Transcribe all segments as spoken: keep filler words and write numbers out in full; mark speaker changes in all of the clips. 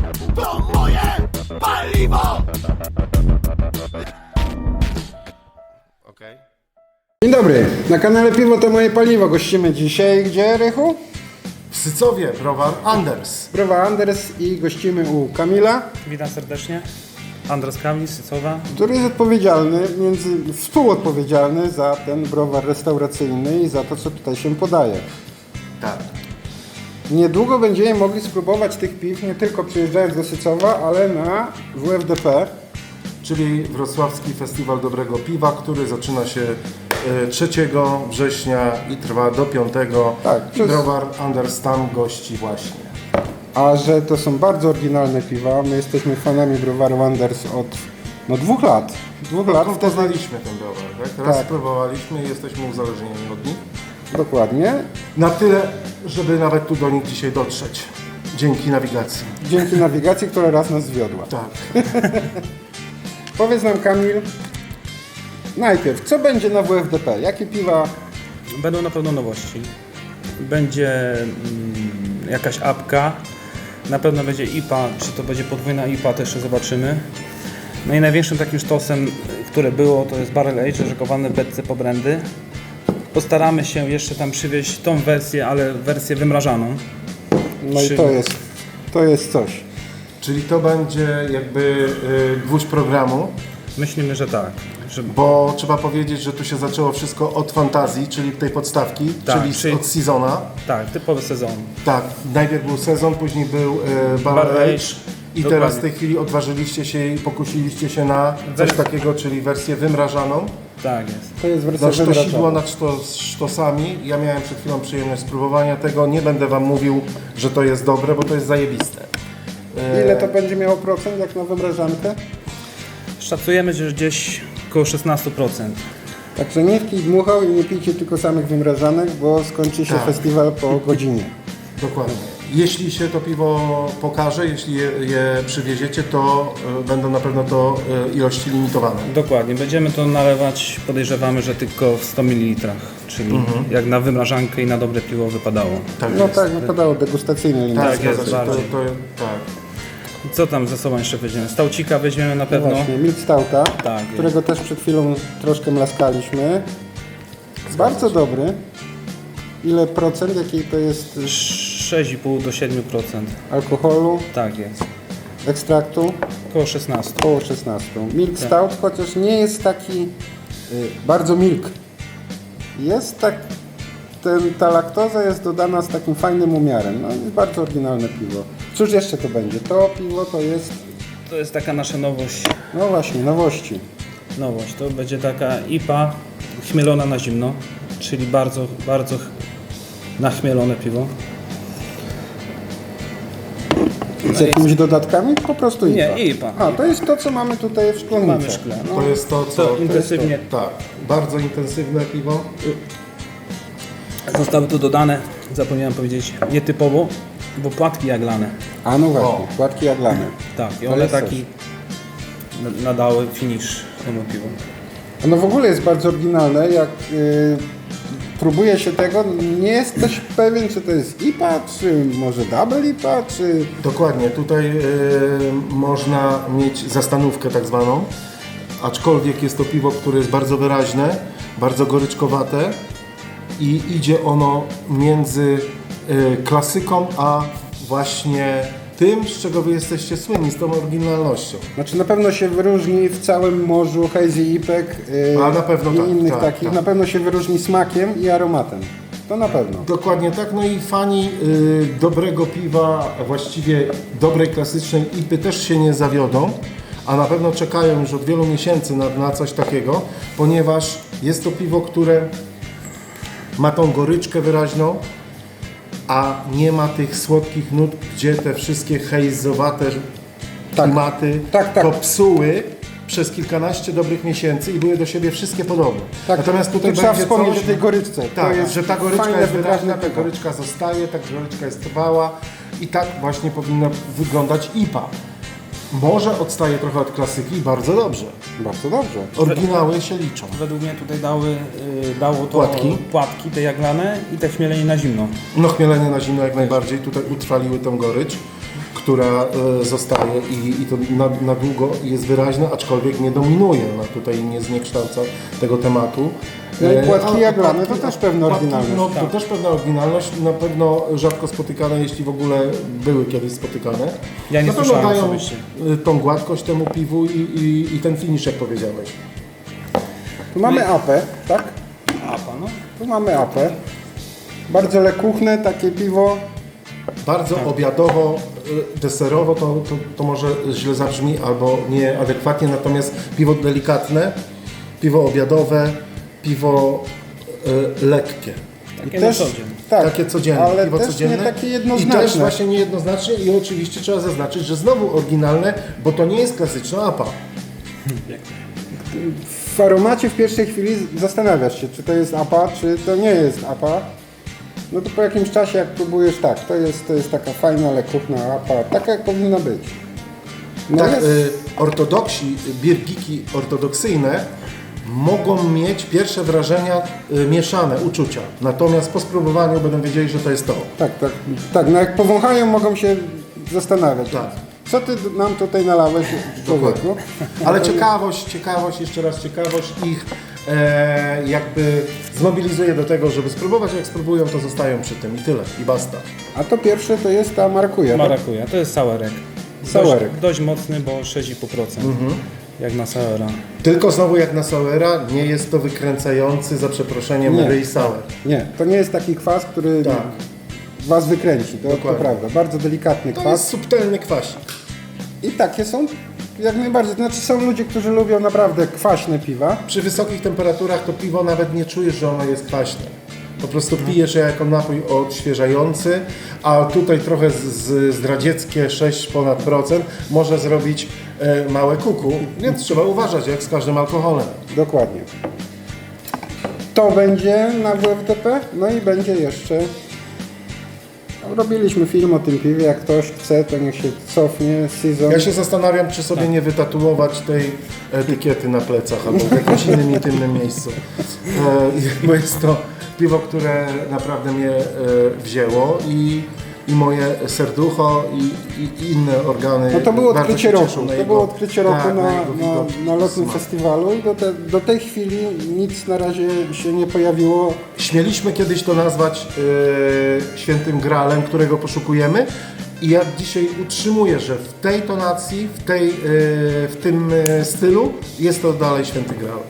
Speaker 1: To moje paliwo!
Speaker 2: Okej.
Speaker 3: Dzień dobry, na kanale Piwo to moje paliwo. Gościmy dzisiaj gdzie, Rychu?
Speaker 2: W Sycowie browar Anders.
Speaker 3: Browa Anders i gościmy u Kamila,
Speaker 4: Witam serdecznie. Andres Kamil, Sycowa.
Speaker 3: który jest odpowiedzialny, między, współodpowiedzialny za ten browar restauracyjny i za to, co tutaj się podaje.
Speaker 2: Tak.
Speaker 3: Niedługo będziemy mogli spróbować tych piw, nie tylko przyjeżdżając do Sycowa, ale na W F D P.
Speaker 2: Czyli Wrocławski Festiwal Dobrego Piwa, który zaczyna się e, trzeciego września i trwa do piątego.
Speaker 3: Tak,
Speaker 2: I
Speaker 3: przez-
Speaker 2: browar Anders tam gości właśnie.
Speaker 3: A że to są bardzo oryginalne piwa, my jesteśmy fanami browaru Anders od no, dwóch lat. Dwóch lat,
Speaker 2: Skąd
Speaker 3: wtedy
Speaker 2: poznaliśmy ten browar, tak? Raz
Speaker 3: Tak.
Speaker 2: spróbowaliśmy i jesteśmy uzależnieni od nich.
Speaker 3: dokładnie.
Speaker 2: Na tyle, żeby nawet tu do nich dzisiaj dotrzeć. Dzięki nawigacji.
Speaker 3: Dzięki nawigacji, która raz nas zwiodła.
Speaker 2: Tak.
Speaker 3: Powiedz nam, Kamil, najpierw, co będzie na W F D P? Jakie piwa?
Speaker 4: Będą na pewno nowości. Będzie mm, jakaś apka. Na pewno będzie I P A, czy to będzie podwójna I P A, to jeszcze zobaczymy. No i największym takim sztosem, które było, to jest Barrel Age, rzekowane w beczce po brandy. Postaramy się jeszcze tam przywieźć tą wersję, ale wersję wymrażaną.
Speaker 3: No i
Speaker 4: Czyli-
Speaker 3: to jest, to jest coś.
Speaker 2: Czyli to będzie jakby y, gwóźdź programu,
Speaker 4: Myślimy, że tak. Że
Speaker 2: bo trzeba powiedzieć, że tu się zaczęło wszystko od fantazji, czyli tej podstawki,
Speaker 4: Tak,
Speaker 2: czyli,
Speaker 4: czyli-
Speaker 2: od sezona.
Speaker 4: tak, typowy sezon.
Speaker 2: Tak, najpierw był sezon, później był y, Barrel
Speaker 4: Barrel
Speaker 2: Age
Speaker 4: Age.
Speaker 2: i
Speaker 4: Dokładnie.
Speaker 2: teraz w tej chwili odważyliście się i pokusiliście się na coś
Speaker 4: Wers-
Speaker 2: takiego, czyli wersję wymrażaną.
Speaker 4: Tak jest.
Speaker 3: To jest wersja
Speaker 2: Na sztosidło
Speaker 3: wymrażana.
Speaker 2: nad sztos, sztosami. Ja miałem przed chwilą przyjemność spróbowania tego. Nie będę Wam mówił, że to jest dobre, bo to jest zajebiste.
Speaker 3: Ile to będzie miało procent jak na wymrażankę?
Speaker 4: Szacujemy, że gdzieś około szesnaście procent.
Speaker 3: Także nie pij dmuchał i nie pijcie tylko samych wymrażanek, bo skończy się
Speaker 2: Tak.
Speaker 3: festiwal po godzinie.
Speaker 2: Dokładnie. Jeśli się to piwo pokaże, jeśli je, je przywieziecie, to y, będą na pewno to y, ilości limitowane.
Speaker 4: Dokładnie, będziemy to nalewać, podejrzewamy, że tylko w sto mililitrach, czyli jak na wymrażankę i na dobre piwo wypadało.
Speaker 2: Tak
Speaker 3: No
Speaker 2: jest.
Speaker 3: tak, wypadało degustacyjny limit.
Speaker 2: Tak,
Speaker 4: tak
Speaker 2: zgadza
Speaker 4: jest,
Speaker 2: się. To,
Speaker 4: bardziej.
Speaker 2: to, tak.
Speaker 4: Co tam ze sobą jeszcze weźmiemy? Stałcika weźmiemy na
Speaker 3: No
Speaker 4: pewno.
Speaker 3: właśnie, Milk Stouta,
Speaker 4: Tak, jest.
Speaker 3: którego też przed chwilą troszkę mlaskaliśmy. Bardzo dobry. Ile procent, jaki to jest
Speaker 4: sześć i pół do siedmiu procent.
Speaker 3: alkoholu,
Speaker 4: Tak jest.
Speaker 3: ekstraktu?
Speaker 4: Około szesnaście.
Speaker 3: Około szesnaście. Milk Stout, chociaż nie jest taki y, bardzo milk. Jest tak, ten, ta laktoza jest dodana z takim fajnym umiarem. No jest bardzo oryginalne piwo. Cóż jeszcze to będzie? To piwo to jest,
Speaker 4: To jest taka nasza nowość.
Speaker 3: no właśnie, nowości.
Speaker 4: Nowość. To będzie taka I P A chmielona na zimno, czyli bardzo, bardzo ch- nachmielone piwo.
Speaker 3: Z jakimiś dodatkami? Po prostu I P A.
Speaker 4: Nie, I P A.
Speaker 3: A, to jest to, co mamy tutaj w szklanicy.
Speaker 4: Mamy szkle. No,
Speaker 2: To jest to, co...
Speaker 4: to intensywnie
Speaker 2: Tak, bardzo intensywne piwo.
Speaker 4: zostały tu dodane, zapomniałem powiedzieć, nietypowo, bo płatki jaglane.
Speaker 3: A no właśnie,
Speaker 2: O.
Speaker 3: płatki jaglane.
Speaker 4: Tak, i
Speaker 3: To
Speaker 4: one
Speaker 3: jest
Speaker 4: taki na- nadały finish temu piwu.
Speaker 3: Ono w ogóle jest bardzo oryginalne. Jak y, próbuje się tego, nie jesteś pewien, czy to jest I P A, czy może Double I P A, czy...
Speaker 2: Dokładnie, tutaj y, można mieć zastanówkę tak zwaną, aczkolwiek jest to piwo, które jest bardzo wyraźne, bardzo goryczkowate i idzie ono między y, klasyką, a właśnie tym, z czego Wy jesteście słynni, z tą oryginalnością.
Speaker 3: Znaczy na pewno się wyróżni w całym morzu Hazy I P E K y,
Speaker 2: A, na pewno
Speaker 3: i
Speaker 2: tak,
Speaker 3: innych
Speaker 2: tak,
Speaker 3: takich.
Speaker 2: tak.
Speaker 3: Na pewno się wyróżni smakiem i aromatem. To na pewno.
Speaker 2: Dokładnie tak, no i fani y, dobrego piwa, a właściwie dobrej klasycznej I P Y też się nie zawiodą, a na pewno czekają już od wielu miesięcy na, na coś takiego, ponieważ jest to piwo, które ma tą goryczkę wyraźną, a nie ma tych słodkich nut, gdzie te wszystkie hejzowate klimaty
Speaker 3: Tak, tak.
Speaker 2: to psuły przez kilkanaście dobrych miesięcy i były do siebie wszystkie podobne.
Speaker 3: Tak,
Speaker 2: Natomiast tutaj
Speaker 3: tu trzeba
Speaker 2: będzie
Speaker 3: wspomnieć
Speaker 2: coś,
Speaker 3: o tej goryczce.
Speaker 2: tak,
Speaker 3: to jest
Speaker 2: że ta goryczka
Speaker 3: fajne,
Speaker 2: jest
Speaker 3: wyraźne
Speaker 2: wyraźna, ta
Speaker 3: piwo.
Speaker 2: goryczka zostaje, ta goryczka jest trwała i tak właśnie powinno wyglądać I P A. Może odstaje trochę od klasyki i bardzo dobrze.
Speaker 3: Bardzo dobrze.
Speaker 2: Oryginały się liczą.
Speaker 4: Według mnie tutaj dały, y, dało to
Speaker 2: Płatki?
Speaker 4: płatki te jaglane i te chmielenie na zimno.
Speaker 2: No chmielenie na zimno jak najbardziej, tutaj utrwaliły tą gorycz, która e, zostaje i, i to na, na długo jest wyraźne, aczkolwiek nie dominuje, no tutaj nie zniekształca tego tematu.
Speaker 3: No i
Speaker 2: E,
Speaker 3: płatki
Speaker 2: a-
Speaker 3: jaglane to
Speaker 2: płatki-
Speaker 3: też pewna
Speaker 2: płatki,
Speaker 3: oryginalność.
Speaker 2: No, to
Speaker 4: Tak.
Speaker 2: też pewna oryginalność, na pewno rzadko spotykane, jeśli w ogóle były kiedyś spotykane.
Speaker 4: Ja nie
Speaker 2: na pewno
Speaker 4: słyszałem
Speaker 2: dają
Speaker 4: osobiście.
Speaker 2: e, tą gładkość temu piwu i, i, i ten finish, jak powiedziałeś.
Speaker 3: Tu mamy apę, tak?
Speaker 4: Apa, no.
Speaker 3: Tu mamy apę. Bardzo lekuchne takie piwo.
Speaker 2: Bardzo obiadowo, y, deserowo to, to, to może źle zabrzmi albo nieadekwatnie, natomiast piwo delikatne, piwo obiadowe, piwo y, lekkie.
Speaker 4: Takie
Speaker 3: Też-
Speaker 4: na co dzień.
Speaker 3: Tak,
Speaker 2: Takie codzienne,
Speaker 3: ale
Speaker 2: piwo
Speaker 3: też
Speaker 2: codzienne.
Speaker 3: nie takie
Speaker 2: I
Speaker 3: jednoznaczne.
Speaker 2: też właśnie niejednoznacznie i oczywiście trzeba zaznaczyć, że znowu oryginalne, bo to nie jest klasyczna apa.
Speaker 3: W aromacie w pierwszej chwili zastanawiasz się, czy to jest apa, czy to nie jest apa. No to po jakimś czasie, jak próbujesz, tak, to jest, to jest taka fajna, lekuchna apa, taka jak powinna być. No
Speaker 2: Tak,
Speaker 3: jest,
Speaker 2: y, ortodoksi, birgiki ortodoksyjne mogą mieć pierwsze wrażenia y, mieszane, uczucia. Natomiast po spróbowaniu będą wiedzieli, że to jest to.
Speaker 3: tak, tak, tak, no jak powąchają, mogą się zastanawiać.
Speaker 2: Tak.
Speaker 3: Co ty nam tutaj nalałeś, człowieku?
Speaker 2: Ale ciekawość, ciekawość, jeszcze raz ciekawość ich e, jakby zmobilizuje do tego, żeby spróbować, jak spróbują, to zostają przy tym i tyle, i basta.
Speaker 3: A to pierwsze to jest ta markuja. Tak?
Speaker 4: Marakuja, to jest sourek.
Speaker 3: Sourek.
Speaker 4: Dość, dość mocny, bo sześć i pół procent. Jak na soura.
Speaker 2: Tylko znowu jak na Sauera, nie jest to wykręcający, za przeproszeniem,
Speaker 3: Nie.
Speaker 2: ryj sour.
Speaker 3: Nie, to nie jest taki kwas, który
Speaker 2: Tak.
Speaker 3: was wykręci, to, to
Speaker 2: Dokładnie.
Speaker 3: prawda. Bardzo delikatny
Speaker 2: To
Speaker 3: kwas.
Speaker 2: jest subtelny kwasik.
Speaker 3: I takie są jak najbardziej. Znaczy są ludzie, którzy lubią naprawdę kwaśne piwa.
Speaker 2: Przy wysokich temperaturach to piwo nawet nie czujesz, że ono jest kwaśne. Po prostu pijesz je jako napój odświeżający, a tutaj trochę z, z zdradzieckie sześć ponad procent może zrobić e, małe kuku, więc trzeba uważać, jak z każdym alkoholem.
Speaker 3: Dokładnie. To będzie na W F D P, no i będzie jeszcze... No, robiliśmy film o tym piwie, jak ktoś chce, to niech się cofnie. Season.
Speaker 2: Ja się zastanawiam, czy sobie nie wytatuować tej etykiety na plecach albo w jakimś innym intymnym miejscu. E, bo jest to piwo, które naprawdę mnie e, wzięło i, i moje serducho i, i, i inne organy.
Speaker 3: No to było
Speaker 2: bardzo
Speaker 3: odkrycie
Speaker 2: się
Speaker 3: roku.
Speaker 2: cieszą na
Speaker 3: To
Speaker 2: jego-
Speaker 3: było odkrycie roku
Speaker 2: tak,
Speaker 3: na,
Speaker 2: jego
Speaker 3: na,
Speaker 2: widok,
Speaker 3: na lotnym
Speaker 2: smak.
Speaker 3: festiwalu i do, te, do tej chwili nic na razie się nie pojawiło.
Speaker 2: Śmieliśmy kiedyś to nazwać e, świętym gralem, którego poszukujemy. I ja dzisiaj utrzymuję, że w tej tonacji, w, tej, e, w tym e, stylu jest to dalej święty graal.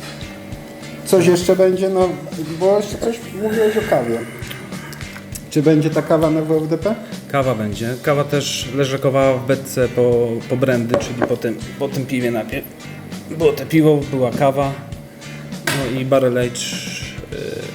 Speaker 3: Coś jeszcze będzie, no bo jeszcze coś mówiłeś o kawie. Czy będzie ta kawa na W F D P?
Speaker 4: Kawa będzie. Kawa też leżakowała w beczce po, po brandy, czyli po tym, po tym piwie najpierw. Było te piwo, była kawa, no i barrel age, yy,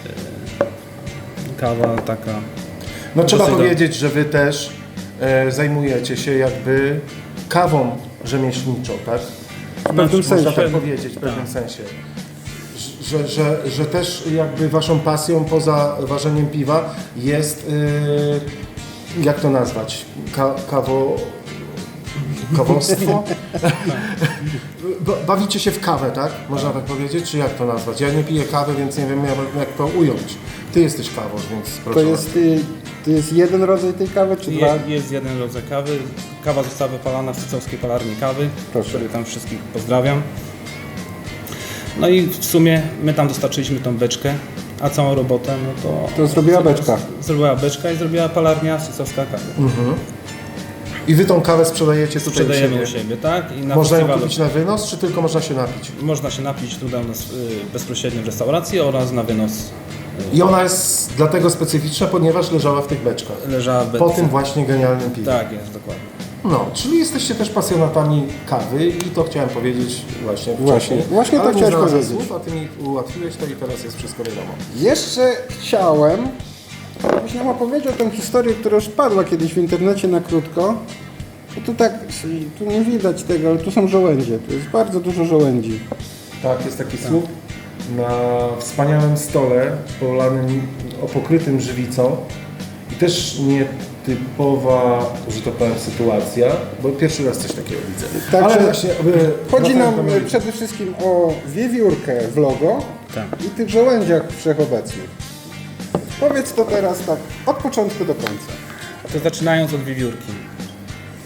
Speaker 4: kawa taka.
Speaker 2: No trzeba
Speaker 4: Dosyć
Speaker 2: powiedzieć, że wy też e, zajmujecie się jakby kawą rzemieślniczą, tak?
Speaker 3: W pewnym
Speaker 2: Można
Speaker 3: sensie.
Speaker 2: tak powiedzieć, w pewnym sensie. Że, że, że też jakby waszą pasją poza ważeniem piwa jest, e, jak to nazwać, Ka, kawo... Kawostwo? Ba- Bawicie się w kawę, tak? Można tak powiedzieć? Czy jak to nazwać? Ja nie piję kawy, więc nie wiem jak, jak to ująć. Ty jesteś kawą, więc proszę.
Speaker 3: To jest, y, to jest jeden rodzaj tej kawy, czy dwa?
Speaker 4: Je, jest jeden rodzaj kawy. Kawa została wypalana w Sycowskiej Palarni Kawy,
Speaker 3: Proszę.
Speaker 4: który tam wszystkich pozdrawiam. No i w sumie my tam dostarczyliśmy tą beczkę, a całą robotę no to...
Speaker 3: To zrobiła beczka.
Speaker 4: Zrobiła beczka i zrobiła palarnia Sycowska Kawy.
Speaker 2: I wy tą kawę sprzedajecie tutaj
Speaker 4: Sprzedajemy
Speaker 2: u
Speaker 4: u
Speaker 2: siebie.
Speaker 4: siebie, tak? I na
Speaker 2: Można ją
Speaker 4: festiwalu
Speaker 2: kupić na wynos, czy tylko można się napić?
Speaker 4: można się napić tutaj u nas y, bezpośrednio w restauracji oraz na wynos
Speaker 2: I ona jest dlatego specyficzna, ponieważ leżała w tych beczkach.
Speaker 4: leżała w
Speaker 2: Po
Speaker 4: beczce.
Speaker 2: tym właśnie genialnym piwie.
Speaker 4: Tak jest, dokładnie.
Speaker 2: No, czyli jesteście też pasjonatami kawy i to chciałem powiedzieć właśnie
Speaker 3: Właśnie,
Speaker 2: wcześniej.
Speaker 3: właśnie to
Speaker 2: Ale nie
Speaker 3: chciałeś
Speaker 2: znalazłem
Speaker 3: powiedzieć.
Speaker 2: Słów, a ty mi ułatwiłeś to i teraz jest wszystko wiadomo.
Speaker 3: Jeszcze chciałem, żebyś nam opowiedział tę historię, która już padła kiedyś w internecie na krótko. Bo tu tak, tu nie widać tego, ale tu są żołędzie. Tu jest bardzo dużo żołędzi.
Speaker 2: Tak, jest taki słup na wspaniałym stole polanym, pokrytym żywicą i też nietypowa, że to powiem, sytuacja, bo pierwszy raz coś takiego widzę.
Speaker 3: Także
Speaker 2: Ale właśnie, aby
Speaker 3: Chodzi nam
Speaker 2: wracając do-
Speaker 3: przede wszystkim o wiewiórkę w logo
Speaker 4: Tak.
Speaker 3: i tych żołędziach wszechobecnych. Powiedz to teraz tak od początku do końca.
Speaker 4: To zaczynając od wiewiórki.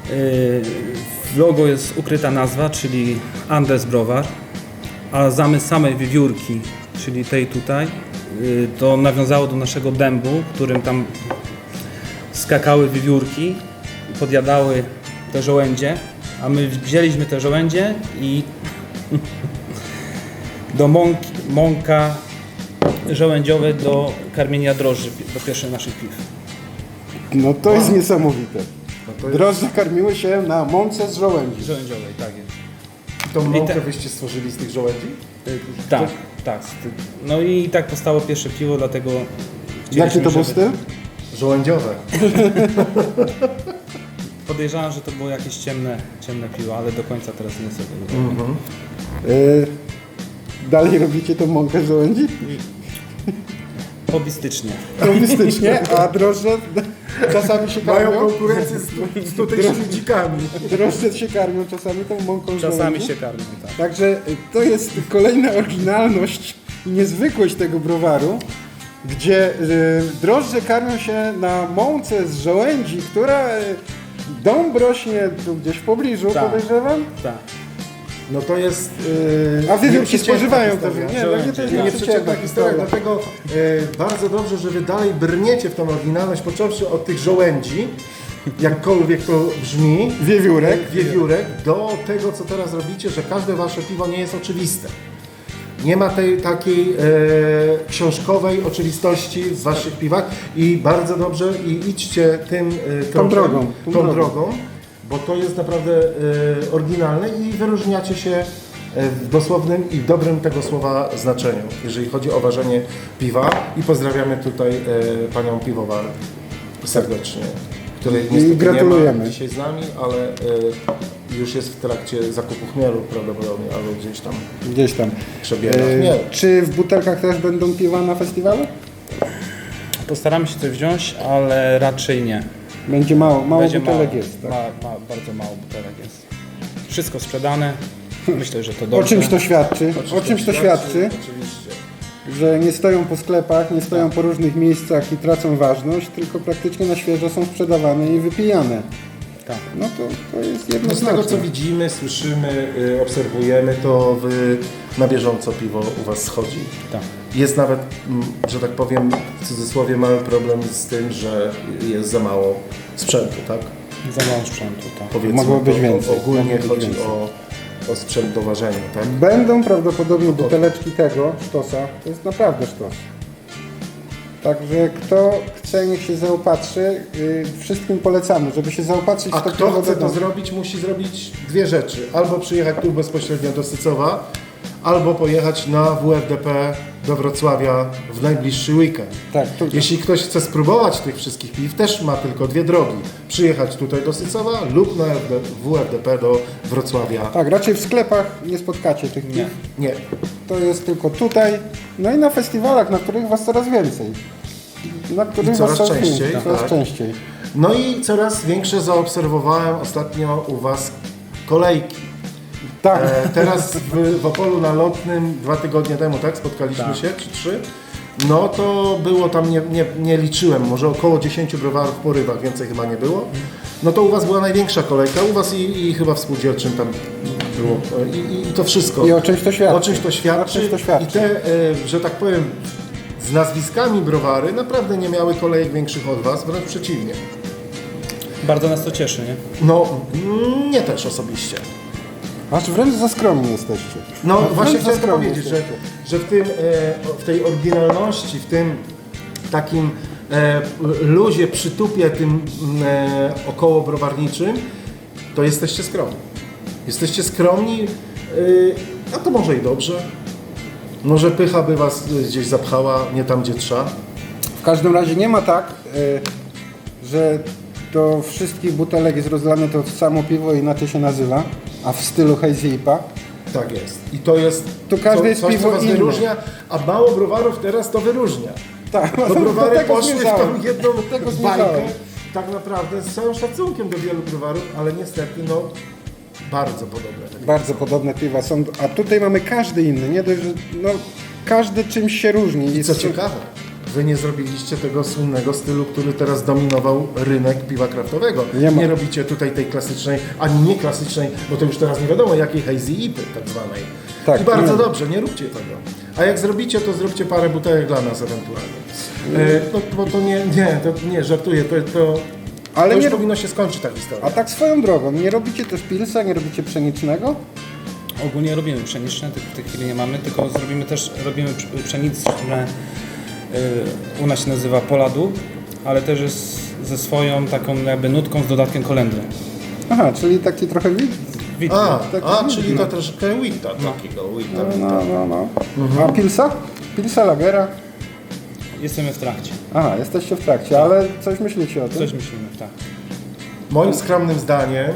Speaker 4: W logo jest ukryta nazwa, czyli Andes Browar, a zamysł samej wiewiórki, czyli tej tutaj, to nawiązało do naszego dębu, którym tam skakały wiewiórki, podjadały te żołędzie, a my wzięliśmy te żołędzie i do mąki, mąka żołędziowe do karmienia drożdży, do pierwszych naszych piw.
Speaker 3: No to jest niesamowite.
Speaker 2: No to jest...
Speaker 3: Drożdże karmiły się na mące z żołędzi.
Speaker 4: Żołędziowej, tak jest.
Speaker 2: Tą mąkę
Speaker 4: te-
Speaker 2: wyście stworzyli z tych żołędzi?
Speaker 4: Tak, tak. No i tak powstało pierwsze piwo, dlatego
Speaker 3: Jaki to był
Speaker 4: żeby-
Speaker 3: styl?
Speaker 2: Żołędziowe.
Speaker 4: Podejrzewam, że to było jakieś ciemne, ciemne piwo, ale do końca teraz nie sobie.
Speaker 2: Mhm.
Speaker 3: Yy, dalej robicie tą mąkę z żołędzi?
Speaker 4: Hobbystycznie.
Speaker 3: Komunistycznie, a drożdże czasami się
Speaker 2: Mają
Speaker 3: karmią?
Speaker 2: konkurencję z, z tutejszymi dzikami.
Speaker 3: Drożdże się karmią czasami tą mąką z
Speaker 4: Czasami
Speaker 3: żołędzi?
Speaker 4: się karmią, tak.
Speaker 3: Także y, to jest kolejna oryginalność i niezwykłość tego browaru, gdzie y, drożdże karmią się na mące z żołędzi, która y, dąb rośnie tu gdzieś w pobliżu,
Speaker 4: Tak.
Speaker 3: podejrzewam.
Speaker 4: Tak.
Speaker 2: No to jest... Yy,
Speaker 3: A wiewiórki
Speaker 2: nieprzeciętna
Speaker 3: spożywają to.
Speaker 2: historia.
Speaker 3: Nie, no nie, to jest
Speaker 2: Nie,
Speaker 3: nieprzeciętna
Speaker 2: nieprzeciętna historia,
Speaker 3: historia.
Speaker 2: dlatego e, bardzo dobrze, że wy dalej brniecie w tą oryginalność, począwszy od tych żołędzi, jakkolwiek to brzmi,
Speaker 3: Wiewiórek.
Speaker 2: wiewiórek, do tego, co teraz robicie, że każde wasze piwo nie jest oczywiste. Nie ma tej takiej e, książkowej oczywistości w waszych piwach i bardzo dobrze i idźcie tym e, tropem,
Speaker 3: drogą, tą
Speaker 2: tą
Speaker 3: drogą.
Speaker 2: drogą, bo to jest naprawdę e, oryginalne i wyróżniacie się e, w dosłownym i dobrym tego słowa znaczeniu, jeżeli chodzi o ważenie piwa i pozdrawiamy tutaj e, panią piwowar serdecznie, której niestety
Speaker 3: gratulujemy.
Speaker 2: nie ma dzisiaj z nami, ale e, już jest w trakcie zakupu chmielu prawdopodobnie, albo gdzieś tam
Speaker 3: Gdzieś tam.
Speaker 2: przebiera
Speaker 3: Y,
Speaker 2: chmiel.
Speaker 3: czy w butelkach też będą piwa na festiwalu?
Speaker 4: Postaramy się coś wziąć, ale raczej nie.
Speaker 3: Będzie mało, mało
Speaker 4: Będzie
Speaker 3: butelek
Speaker 4: mało,
Speaker 3: jest. Tak?
Speaker 4: ma, ma, bardzo mało butelek jest. Wszystko sprzedane. Myślę, że to
Speaker 3: O
Speaker 4: dobrze.
Speaker 3: czymś to świadczy? O czymś to świadczy?
Speaker 2: Oczywiście.
Speaker 3: Że nie stoją po sklepach, nie stoją po różnych miejscach i tracą ważność, tylko praktycznie na świeżo są sprzedawane i wypijane.
Speaker 4: Tak.
Speaker 3: No to, to jest
Speaker 2: No z tego
Speaker 3: jednoznaczne.
Speaker 2: co widzimy, słyszymy, y, obserwujemy, to wy na bieżąco piwo u was schodzi.
Speaker 4: Tak.
Speaker 2: Jest nawet, mm, że tak powiem, w cudzysłowie mały problem z tym, że jest za mało sprzętu, tak?
Speaker 4: Za mało sprzętu, tak.
Speaker 2: Powiedzmy,
Speaker 3: Mogło być
Speaker 2: to
Speaker 3: więcej,
Speaker 2: Ogólnie
Speaker 3: mogło być
Speaker 2: chodzi
Speaker 3: więcej.
Speaker 2: o, o sprzęt do ważenia, tak?
Speaker 3: Będą prawdopodobnie buteleczki tego sztosa. To jest naprawdę sztos. Także kto chce, niech się zaopatrzy. Yy, wszystkim polecamy, żeby się zaopatrzyć
Speaker 2: A
Speaker 3: w to
Speaker 2: kto
Speaker 3: piwo
Speaker 2: chce
Speaker 3: do
Speaker 2: to
Speaker 3: domu.
Speaker 2: zrobić, musi zrobić dwie rzeczy. Albo przyjechać tu bezpośrednio do Sycowa, albo pojechać na W F D P do Wrocławia w najbliższy weekend.
Speaker 3: Tak, tu,
Speaker 2: Jeśli ktoś chce spróbować tych wszystkich piw, też ma tylko dwie drogi. Przyjechać tutaj do Sycowa lub na W F D P do Wrocławia.
Speaker 3: tak, raczej w sklepach nie spotkacie tych piw.
Speaker 4: Nie.
Speaker 2: Nie.
Speaker 3: To jest tylko tutaj. No i na festiwalach, na których was coraz więcej. Na których
Speaker 2: I coraz
Speaker 3: was coraz
Speaker 2: częściej,
Speaker 3: więcej, coraz
Speaker 2: tak.
Speaker 3: częściej.
Speaker 2: No i coraz większe zaobserwowałem ostatnio u Was kolejki.
Speaker 3: Tak.
Speaker 2: E, teraz w, w Opolu na Lotnym dwa tygodnie temu, tak? Spotkaliśmy
Speaker 4: Tak.
Speaker 2: się, czy trzy? No to było tam, nie, nie, nie liczyłem, może około dziesięciu browarów w porywach, więcej chyba nie było. No to u Was była największa kolejka, u Was i, i chyba w spółdzielczym tam było. I, i, I to wszystko.
Speaker 3: I o czymś to świadczy.
Speaker 2: O czymś to świadczy.
Speaker 3: O czymś to świadczy.
Speaker 2: I te, e, że tak powiem, z nazwiskami browary naprawdę nie miały kolejek większych od Was, wręcz przeciwnie.
Speaker 3: Bardzo
Speaker 4: nas to cieszy, nie?
Speaker 2: No, mm, nie też osobiście.
Speaker 3: Aż wręcz za skromni jesteście.
Speaker 2: No
Speaker 3: Wręcz
Speaker 2: właśnie
Speaker 3: za
Speaker 2: chciałem to
Speaker 3: skromni
Speaker 2: powiedzieć, że,
Speaker 3: jesteście.
Speaker 2: że w, tym, e, w tej oryginalności, w tym takim e, luzie, przytupie tym e, około browarniczym, to jesteście skromni. Jesteście skromni, e, a to może i dobrze. Może pycha by Was gdzieś zapchała, nie tam gdzie trzeba.
Speaker 3: W każdym razie nie ma tak, y, że do wszystkich butelek jest rozlane to samo piwo i inaczej się nazywa, a w stylu Hazy I P A.
Speaker 2: Tak jest. I to jest
Speaker 3: Tu każde
Speaker 2: co,
Speaker 3: jest
Speaker 2: coś,
Speaker 3: piwo
Speaker 2: co Was
Speaker 3: inne.
Speaker 2: wyróżnia, a mało browarów teraz to wyróżnia.
Speaker 3: Tak,
Speaker 2: Bo
Speaker 3: do
Speaker 2: browary
Speaker 3: tego
Speaker 2: poszły w
Speaker 3: zmierzałem.
Speaker 2: tą jedną
Speaker 3: Do tego
Speaker 2: bajkę,
Speaker 3: zmierzałem.
Speaker 2: tak naprawdę z całym szacunkiem do wielu browarów, ale niestety no bardzo podobne. Tak.
Speaker 3: Bardzo podobne piwa są, a tutaj mamy każdy inny, nie dość, że no, każdy czymś się różni.
Speaker 2: I co
Speaker 3: z-
Speaker 2: ciekawe, wy nie zrobiliście tego słynnego stylu, który teraz dominował rynek piwa kraftowego.
Speaker 3: Nie
Speaker 2: Nie,
Speaker 3: ma.
Speaker 2: robicie tutaj tej klasycznej, ani nie klasycznej, bo to już teraz nie wiadomo jakiej hazy I P Y tak zwanej.
Speaker 3: Tak,
Speaker 2: I bardzo
Speaker 3: nie.
Speaker 2: dobrze, nie róbcie tego. A jak zrobicie, to zróbcie parę butelek dla nas ewentualnie. E, no, bo to nie, nie, to nie, żartuję, to, to,
Speaker 3: Ale
Speaker 2: to już
Speaker 3: nie-
Speaker 2: powinno się skończyć ta historia.
Speaker 3: A tak swoją drogą, nie robicie też pilsa, nie robicie pszenicznego?
Speaker 4: Ogólnie robimy pszeniczne, tych w tej chwili nie mamy, tylko zrobimy też, robimy psz- pszenice, które y, u nas się nazywa Poladu, ale też jest ze swoją taką jakby nutką z dodatkiem kolendry.
Speaker 3: Aha, czyli taki trochę wid.
Speaker 4: Widzę.
Speaker 2: A,
Speaker 3: taki
Speaker 2: a
Speaker 3: widno.
Speaker 2: czyli to troszkę wita takiego, wita,
Speaker 3: No,
Speaker 2: wita.
Speaker 3: no, no, no. A pilsa? Pilsa, lagera?
Speaker 4: Jesteśmy w trakcie.
Speaker 3: Aha, jesteście w trakcie, ale coś myślicie o tym?
Speaker 4: Coś myślimy, tak.
Speaker 2: Moim skromnym zdaniem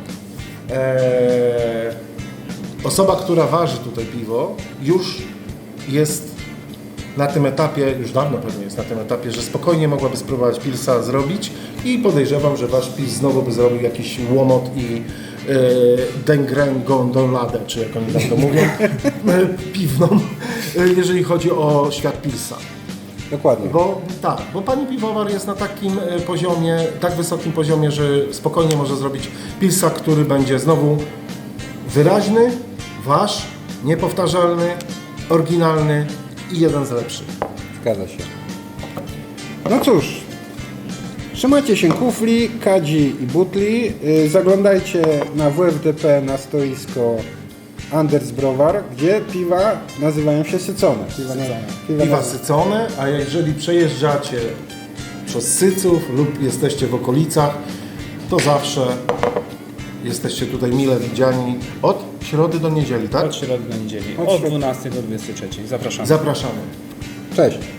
Speaker 2: e, osoba, która waży tutaj piwo, już jest na tym etapie, już dawno pewnie jest na tym etapie, że spokojnie mogłaby spróbować pilsa zrobić i podejrzewam, że wasz pils znowu by zrobił jakiś łomot i e, dengrę gondoladę, czy jak oni tam to mówią, e, piwną, e, jeżeli chodzi o świat pilsa.
Speaker 3: Dokładnie.
Speaker 2: Bo tak, bo pani piwowar jest na takim e, poziomie, tak wysokim poziomie, że spokojnie może zrobić pilsa, który będzie znowu wyraźny, wasz, niepowtarzalny, oryginalny i jeden z lepszych.
Speaker 3: Zgadza się. No cóż, trzymajcie się kufli, kadzi i butli. Yy, zaglądajcie na W F D P na stoisko Anders Browar, gdzie piwa nazywają się sycone. Piwa, na, piwa,
Speaker 2: Piwa
Speaker 3: na,
Speaker 2: sycone, a jeżeli przejeżdżacie przez Syców lub jesteście w okolicach, to zawsze jesteście tutaj mile widziani od środy do niedzieli, tak?
Speaker 4: Od środy do niedzieli,
Speaker 3: Od
Speaker 4: od
Speaker 3: środy.
Speaker 4: dwunastej do dwudziestej trzeciej. Zapraszamy.
Speaker 2: Zapraszamy.
Speaker 3: Cześć.